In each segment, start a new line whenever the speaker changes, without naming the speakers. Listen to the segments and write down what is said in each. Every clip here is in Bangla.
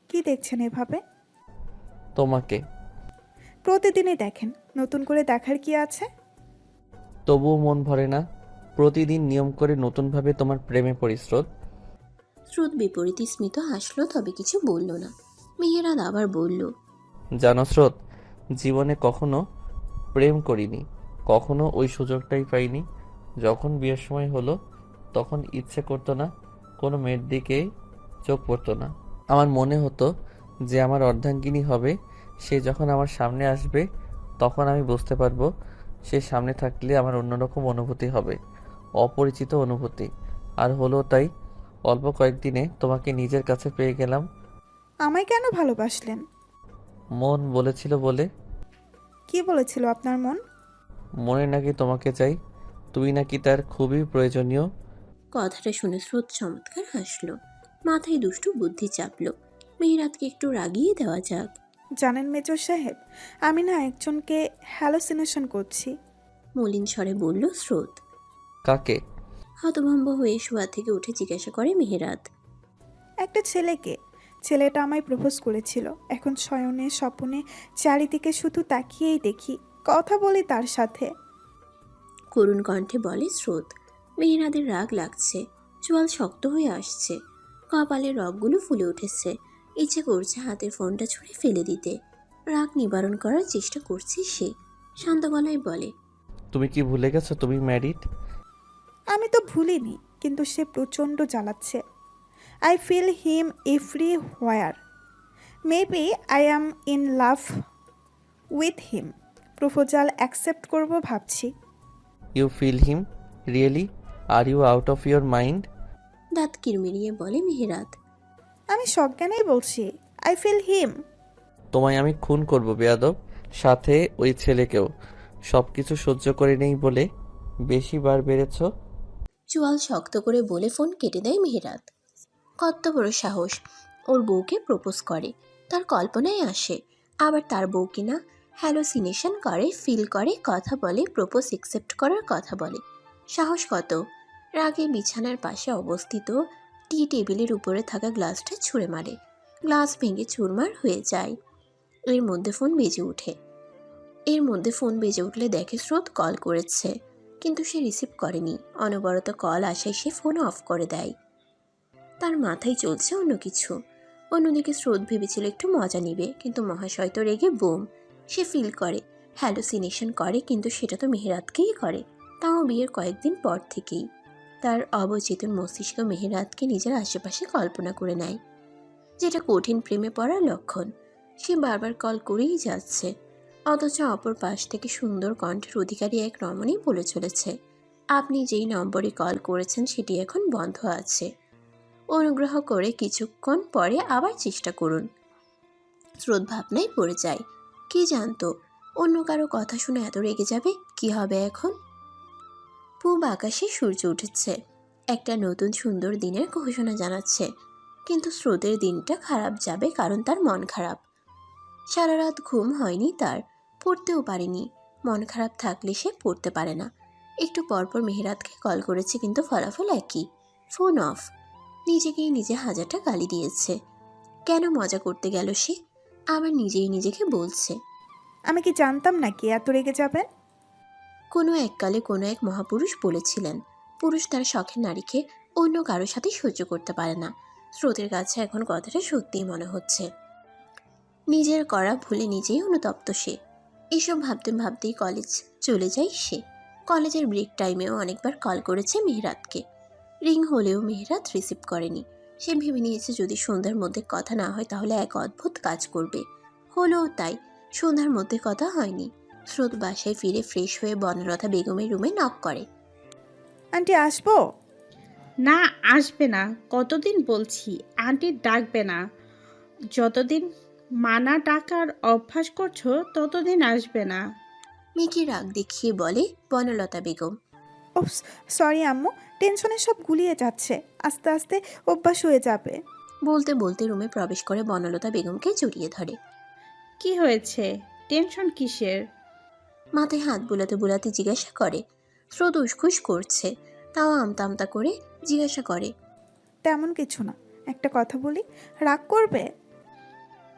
কি দেখছেন এভাবে?
তোমাকে।
প্রতিদিনই দেখেন, নতুন করে দেখার কি আছে?
তবুও মন ভরে না। প্রতিদিন নিয়ম করে নতুনভাবে তোমার প্রেমে পড়ি স্রোত।
স্রোত বিপরীত স্মিত হাসলো, তবে কিছু বলল না। মেহেরাত আবার বলল,
জানো স্রোত, জীবনে কখনো প্রেম করিনি, কখনো ওই সুযোগটাই পাইনি। যখন বিয়ের সময় হলো তখন ইচ্ছে করতো না, কোনো মেয়ের দিকে চোখ পড়তো না। আমার মনে হতো যে আমার অর্ধাঙ্গিনী হবে, সে যখন আমার সামনে আসবে তখন আমি বুঝতে পারবো সে সামনে থাকলে আমার অন্যরকম অনুভূতি হবে, অপরিচিত অনুভূতি। আর হলো তাই। অল্প কয়েকদিনে তোমাকে নিজের কাছে পেয়ে গেলাম।
আমায় কেন ভালোবাসলেন?
মন বলেছিল বলে।
কি বলেছিল আপনার মন?
মনে নাকি তোমাকে চাই, তুমি নাকি তার খুবই প্রয়োজনীয়।
কথাটা শুনে স্রোত চমৎকার হাসলো। মাথায় দুষ্টু বুদ্ধি চাপলো, মেহেরাতকে একটু রাগিয়ে দেওয়া যাক।
জানেন মেজর সাহেব, আমি না একজনকে হ্যালোসিনেশন করছি।
মলিন স্বরে বলল স্রোত।
কাকে?
হতভম্ব হয়ে শোয়া থেকে উঠে জিজ্ঞাসা করে মেহেরাত।
একটা ছেলেকে। ছেলেটা আমায় প্রপোজ করেছিল। এখন শয়নে স্বপনে চারিদিকে শুধু তাকিয়েই দেখি, কথা বলি তার সাথে।
করুণ কণ্ঠে বলে স্রোত। মেহেরাদের রাগ লাগছে, চোয়াল শক্ত হয়ে আসছে, কপালের রগগুলো ফুলে উঠেছে। ইচ্ছে করছে হাতের ফোনটা ছুঁড়ে ফেলে দিতে। রাগ নিবারণ করার চেষ্টা করছে সে। শান্ত গলায় বলে,
তুমি কি ভুলে গেছো তুমি ম্যারিড?
আমি তো ভুলিনি, কিন্তু সে প্রচণ্ড জ্বালাচ্ছে। I feel him everywhere. Maybe I am in love with him. Proposal accept করব ভাবছি।
You feel him? Really? Are you out of your mind?
দাঁত কিরমিরিয়ে বলে মেহেরাত।
আমি সজ্ঞানেই বলছি, আই ফিল হিম।
তোমায় আমি খুন করব বেয়াদব, সাথে ওই ছেলেকেও। সবকিছু সহ্য করে নেই বলে বেশি বার বেড়েছ।
চোয়াল শক্ত করে বলে ফোন কেটে দেয় মেহেরাত। কত বড় সাহস, ওর বউকে প্রপোজ করে, তার কল্পনায় আসে। আবার তার বউ কিনা হ্যালোসিনেশন করে, ফিল করে, কথা বলে, প্রপোজ একসেপ্ট করার কথা বলে। সাহস কত! রাগে বিছানার পাশে অবস্থিত টি টেবিলের উপরে থাকা গ্লাসটা ছুঁড়ে মারে। গ্লাস ভেঙে চুরমার হয়ে যায়। এর মধ্যে ফোন বেজে উঠলে দেখে স্রোত কল করেছে, কিন্তু সে রিসিভ করেনি। অনবরত কল আসায় সে ফোন অফ করে দেয়। তার মাথায় চলছে অন্য কিছু। অন্যদিকে স্রোত ভেবেছিল একটু মজা নিবে, কিন্তু মহাশয় তো রেগে বোম। সে ফিল করে, হ্যালোসিনেশন করে, কিন্তু সেটা তো মেহেরাতকেই করে, তাও বিয়ের কয়েকদিন পর থেকেই। তার অবচেতন মস্তিষ্ক মেহেরাতকে নিজের আশেপাশে কল্পনা করে নেয়, যেটা কঠিন প্রেমে পড়ার লক্ষণ। সে বারবার কল করেই যাচ্ছে, অথচ অপর পাশ থেকে সুন্দর কণ্ঠের অধিকারী এক রমণী বলে চলেছে, আপনি যেই নম্বরে কল করেছেন সেটি এখন বন্ধ আছে, অনুগ্রহ করে কিছুক্ষণ পরে আবার চেষ্টা করুন। স্রোত ভাবনায় পড়ে যায়। কে জানতো অন্য কারো কথা শুনে এত রেগে যাবে? কি হবে এখন? পূব আকাশে সূর্য উঠেছে, একটা নতুন সুন্দর দিনের ঘোষণা জানাচ্ছে। কিন্তু স্রোতের দিনটা খারাপ যাবে, কারণ তার মন খারাপ। সারা রাত ঘুম হয়নি তার, পড়তেও পারেনি। মন খারাপ থাকলে সে পড়তে পারে না। একটু পরপর মেহেরাতকে কল করেছে, কিন্তু ফলাফল একই, ফোন অফ। নিজেকেই নিজে হাজারটা গালি দিয়েছে। কেন মজা করতে গেল সে? আবার নিজেই নিজেকে বলছে,
আমি কি জানতাম নাকি এত রেগে যাবেন?
কোনো এককালে কোনো এক মহাপুরুষ বলেছিলেন, পুরুষ তার শখের নারীকে অন্য কারো সাথে সহ্য করতে পারে না। স্রোতের কাছে এখন কথাটা সত্যিই মনে হচ্ছে। নিজের করা ভুলে নিজেই অনুতপ্ত সে। এসব ভাবতে ভাবতেই কলেজ চলে যায় সে। কলেজের ব্রেক টাইমেও অনেকবার কল করেছে মেহেরাতকে। রিং হলেও মেহেরাত রিসিভ করেনি। সে ভেবে নিয়েছে যদি সন্ধ্যার মধ্যে কথা না হয় তাহলে এক অদ্ভুত কাজ করবে। হলেও তাই, সন্ধ্যার মধ্যে কথা হয়নি। স্রোত বাসায় ফিরে ফ্রেশ হয়ে বনলতা বেগমের রুমে নক করে।
আন্টি আসবো?
না, আসবে না। কতদিন বলছি আন্টি ডাকবে না। যতদিন মানা ডাকার অভ্যাস করছো ততদিন আসবে না।
মেয়েকে রাগ দেখিয়ে বলে বনলতা বেগম।
ওপস, সরি আম্মু, টেনশনে সব গুলিয়ে যাচ্ছে, আস্তে আস্তে অভ্যাস হয়ে যাবে।
বলতে বলতে রুমে প্রবেশ করে বনলতা বেগমকে জড়িয়ে ধরে।
কি হয়েছে? টেনশন কিসের?
মাথায় হাত বুলাতে বুলাতে জিজ্ঞাসা করে। স্রোত উসখুস করছে, তাও আমতা আমতা করে জিজ্ঞাসা করে,
তেমন কিছু না, একটা কথা বলি, রাগ করবে?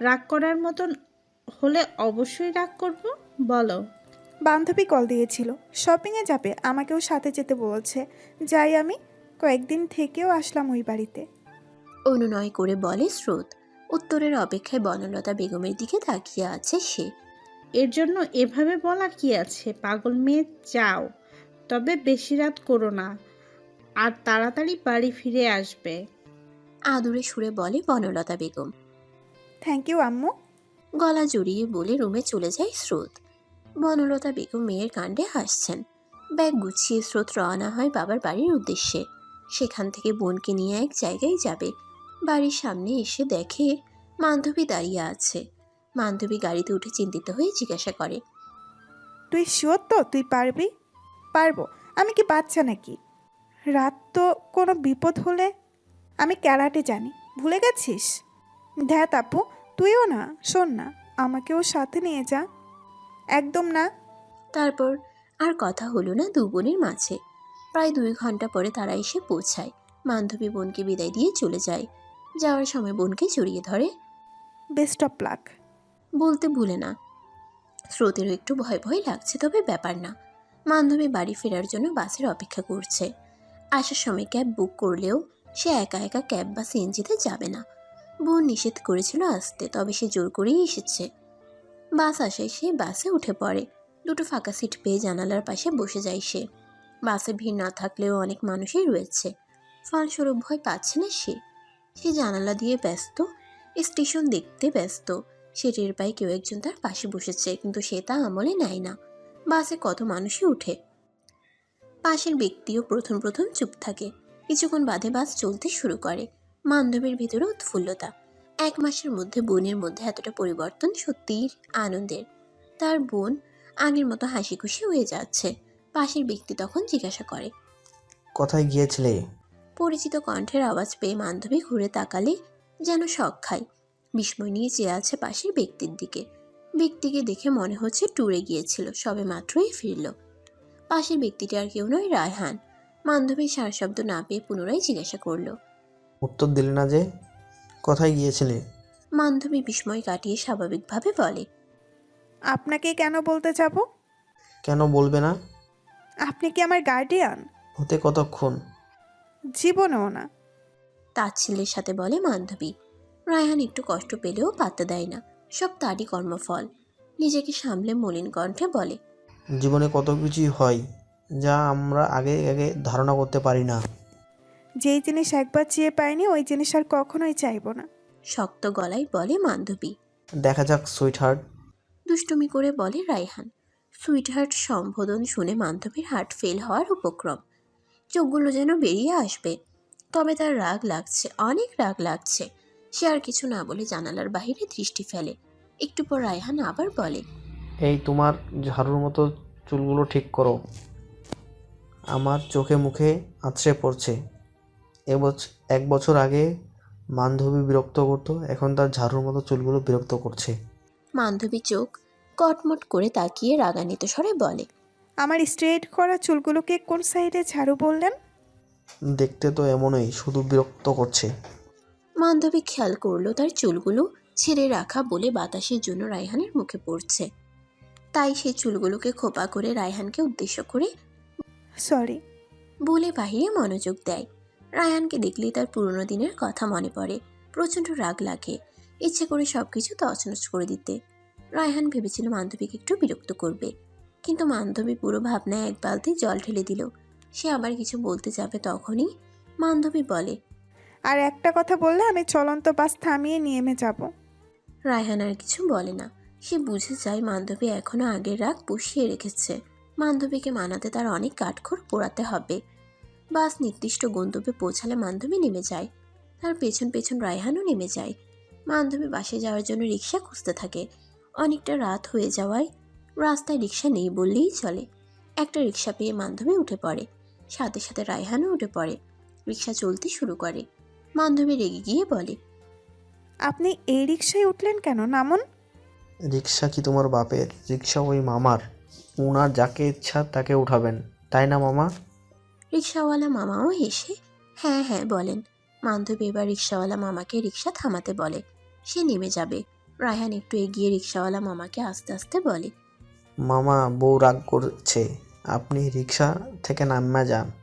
রাগ করার মতন হলে অবশ্যই রাগ করব। বলো।
বান্ধবী কল দিয়েছিল, শপিংয়ে যাবে, আমাকেও সাথে যেতে বলেছে। যাই আমি, কয়েকদিন থেকেও আসলাম ওই বাড়িতে।
অনুনয় করে বলে স্রোত। উত্তরের অপেক্ষায় বনলতা বেগমের দিকে তাকিয়ে আছে সে।
এর জন্য এভাবে বলা কি আছে? পাগল মেয়ে, যাও, তবে বেশি রাত করো না, আর তাড়াতাড়ি বাড়ি ফিরে আসবে।
আদুরে সুরে বলে বনলতা বেগম।
থ্যাংক ইউ আম্মু।
গলা জড়িয়ে বলে রুমে চলে যায় স্রোত। বনলতা বেগম মেয়ের কাণ্ডে হাসছেন। ব্যাগ গুছিয়ে স্রোত রওনা হয় বাবার বাড়ির উদ্দেশ্যে। সেখান থেকে বোনকে নিয়ে এক জায়গায় যাবে। বাড়ির সামনে এসে দেখে বান্ধবী দাঁড়িয়ে আছে। বান্ধবী গাড়িতে উঠে চিন্তিত হয়ে জিজ্ঞাসা করে,
তুই শিওর তো তুই পারবি? পারবো, আমি কি বাচ্চা নাকি? রাত তো কোনো বিপদ হলে? আমি ক্যারাটে জানি, ভুলে গেছিস? ধ্যাত আপু, তুইও না, শোন না, আমাকেও সাথে নিয়ে যা। একদম না।
তারপর আর কথা হলো না দু বোনের মাঝে। প্রায় 2 ঘন্টা পরে তারা এসে পৌঁছায়। বান্ধবী বোনকে বিদায় দিয়ে চলে যায়। যাওয়ার সময় বোনকে জড়িয়ে ধরে।
Best of luck.
বলতে ভুলে না। স্রোতেরও একটু ভয় ভয় লাগছে, তবে ব্যাপার না। বান্ধবী বাড়ি ফেরার জন্য বাসের অপেক্ষা করছে। আসার সময় ক্যাব বুক করলেও সে একা একা ক্যাব বা সিএনজিতে যাবে না। বোন নিষেধ করেছিল আসতে, তবে সে জোর করেই এসেছে। বাস আসায় সে বাসে উঠে পড়ে। দুটো ফাঁকা সিট পেয়ে জানালার পাশে বসে যায় সে। বাসে ভিড় না থাকলেও অনেক মানুষই রয়েছে, ফলস্বরূপ ভয় পাচ্ছে না সে। সে জানালা দিয়ে ব্যস্ত, স্টেশন দেখতে ব্যস্ত। সে টের পায় কেউ একজন তার পাশে বসেছে, কিন্তু সে তা আমলে নেয় না। বাসে কত মানুষই উঠে। পাশের ব্যক্তিও প্রথম প্রথম চুপ থাকে। কিছুক্ষণ বাদে বাস চলতে শুরু করে। বান্ধবীর ভিতরে উৎফুল্লতা। 1 মাসের মধ্যে বোনের মধ্যে এতটা পরিবর্তন সত্যিই আনন্দের। তার বোন আগের মতো হাসি খুশি হয়ে যাচ্ছে। পাশের ব্যক্তি তখন জিজ্ঞাসা করে,
কোথায় গিয়েছিলে?
পরিচিত কণ্ঠের আওয়াজ পেয়ে বান্ধবী ঘুরে তাকালে যেন শক খায়। বিস্ময় নিয়ে চেয়ে আছে পাশের ব্যক্তির দিকে। ব্যক্তিকে দেখে মনে হচ্ছে ট্যুরে গিয়েছিল, সবে মাত্রই ফিরল। পাশের ব্যক্তিটি আর কেউ নয়, রায়হান। বান্ধবীর সারা শব্দ না পেয়ে পুনরায় জিজ্ঞাসা করলো।
উত্তর দিলে না যে, কোথায় গিয়েছিলে?
বান্ধবী বিস্ময় কাটিয়ে স্বাভাবিকভাবে বলে,
আপনাকে কেন বলতে যাব?
কেন বলবে না?
আপনি কি আমার গার্ডিয়ান?
হতে কতক্ষণ?
জীবনেও না।
তাচ্ছিল্যের সাথে বলে বান্ধবী। রায়হান একটু কষ্ট পেলেও পাত্তা দেয় না, সব তারই কর্মফল। নিজেকে সামলে মলিন কণ্ঠে বলে,
জীবনে কত কিছুই হয় যা আমরা আগে আগে ধারণা করতে পারি না।
যেই জিনিস একবার চেয়ে পাইনি ওই জিনিস আর কখনোই চাইবো না।
শক্ত গলায় বলে বান্ধবী।
দেখা যাক সুইটহার্ট।
দুষ্টুমি করে বলে রায়হান। সুইটহার্ট সম্বোধন শুনে বান্ধবীর হার্ট ফেল হওয়ার উপক্রম। চোখগুলো যেন বেরিয়ে আসবে। তবে তার রাগ লাগছে, অনেক রাগ লাগছে। সে আর কিছু না বলে জানালার বাইরে দৃষ্টি ফেলে। একটু পর রায়হান আবার বলে,
এই তোমার ঝাড়ুর মতো চুলগুলো ঠিক করো। আমার চোখে মুখে আছড়ে পড়ছে। 1 বছর আগে বান্ধবী বিরক্ত করতো, এখন তার ঝাড়ুর মতো চুলগুলো বিরক্ত করছে।
বান্ধবী চোখ কটমট করে তাকিয়ে রাগান্বিত স্বরে বলে,
আমার স্ট্রেট করা চুলগুলোকে কোন সাইডে ঝাড়ু বললেন?
দেখতে তো এমনই, শুধু বিরক্ত করছে।
বান্ধবী খেয়াল করলো তার চুলগুলো ছেড়ে রাখা বলে বাতাসের জন্য রায়হানের মুখে পড়ছে। তাই সে চুলগুলোকে খোপা করে রায়হানকে উদ্দেশ্য করে
সরি।
বলে বাহিরে মনোযোগ দেয়। রায়হানকে দেখলেই তার পুরনো দিনের কথা মনে পড়ে। প্রচণ্ড রাগ লাগে, ইচ্ছে করে সবকিছু তছনছ করে দিতে। রায়হান ভেবেছিল বান্ধবীকে একটু বিরক্ত করবে, কিন্তু বান্ধবী পুরো ভাবনায় এক বালতি জল ঢেলে দিল। সে আবার কিছু বলতে যাবে, তখনই বান্ধবী বলে,
আর একটা কথা বললে আমি চলন্ত বাস থামিয়ে নেমে যাব।
রায়হান আর কিছু বলে না। সে বুঝে যায় বান্ধবী এখনো আগের রাগ পুষিয়ে রেখেছে। বান্ধবীকে মানাতে তার অনেক কাঠখড় পোড়াতে হবে। বাস নির্দিষ্ট গন্তব্যে পৌঁছালে বান্ধবী নেমে যায়। তার পেছন পেছন রায়হানও নেমে যায়। বান্ধবী বাসে যাওয়ার জন্য রিক্সা খুঁজতে থাকে। অনেকটা রাত হয়ে যাওয়ায় রাস্তায় রিক্সা নেই বললেই চলে। একটা রিক্সা পেয়ে বান্ধবী উঠে পড়ে। সাথে সাথে রায়হানও উঠে পড়ে। রিক্সা চলতে শুরু করে। বান্ধবী রেগে গিয়ে বলে,
আপনি এই রিক্সায় উঠলেন কেন? নামুন।
রিক্সা কি তোমার বাপের? রিক্সা ওই মামার। ওনার যাকে ইচ্ছা তাকে উঠাবেন, তাই না মামা?
রিক্সাওয়ালা মামাও হেসে হ্যাঁ হ্যাঁ বলেন। বান্ধবী এবার রিক্সাওয়ালা মামাকে রিক্সা থামাতে বলে। সে নেমে যাবে। রায়হান একটু এগিয়ে রিক্সাওয়ালা মামাকে আস্তে আস্তে বলে,
মামা, বউ রাগ করছে, আপনি রিক্সা থেকে নামা যান।